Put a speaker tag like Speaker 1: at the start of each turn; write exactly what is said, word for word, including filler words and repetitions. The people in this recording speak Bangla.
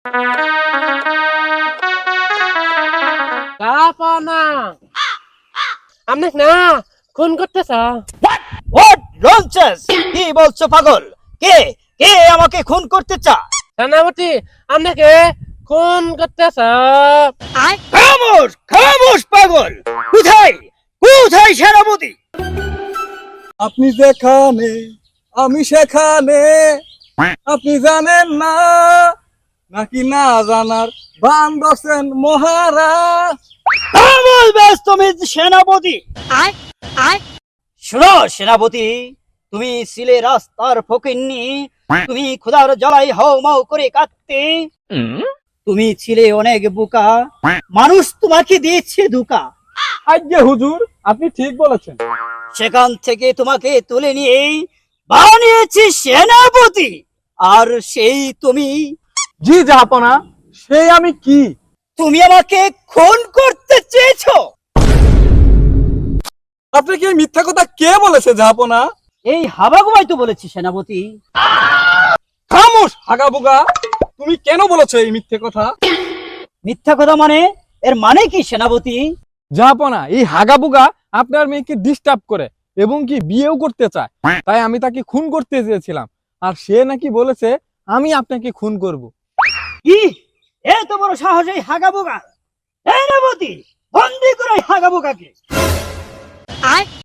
Speaker 1: জাহাপনা আপনি না খুন করতেছ?
Speaker 2: What nonsense! কি বলছো পাগল? কে কে আমাকে খুন করতে চায়?
Speaker 1: সেনাপতি আপনাকে খুন করতেছ?
Speaker 2: খামোশ খামোশ পাগল! কোথায় কোথায় সেনাপতি?
Speaker 3: আপনি যেখানে আমি সেখানে, আপনি জানেন না নাকি না জানার বান ধরছেন মহারাজ।
Speaker 2: খামোশ ব্যাস তুমি সেনাপতি। শোনো সেনাপতি, তুমি ছিলে রাস্তার ফকিন্নি, তুমি ক্ষুধার জ্বালাই হাও মাও করে কাঁদতে, তুমি ছিলে অনেক বোকা, মানুষ তোমাকে দিয়েছে ধোঁকা।
Speaker 3: আজ্ঞে হুজুর, আপনি ঠিক বলেছেন।
Speaker 2: সেখান থেকে তোমাকে তুলে নিয়ে বানিয়েছি সেনাপতি, আর সেই তুমি
Speaker 3: জি জাহাপনা, সেই আমি কি?
Speaker 2: তুমি আমাকে খুন করতে চেয়েছো।
Speaker 3: আপনি কি এই মিথ্যা কথা কে বলেছে জাহাপনা?
Speaker 2: এই হাবাগুবাই তো বলেছি সেনাপতি।
Speaker 3: খামোশ হাগাবুগা, তুমি কেন বলেছো এই মিথ্যে কথা?
Speaker 2: মিথ্যা কথা মানে? এর মানে কি সেনাপতি?
Speaker 3: জাহাপনা, এই হাগাবুগা আপনার মেয়েকে ডিস্টার্ব করে এবং কি বিয়েও করতে চায়, তাই আমি তাকে খুন করতে চেয়েছিলাম, আর সে নাকি বলেছে আমি আপনাকে খুন করব।
Speaker 2: কি এত বড় সাহস এই হাগাবোগা! সেনাপতি, বন্দি করে হাগাবোগাকে।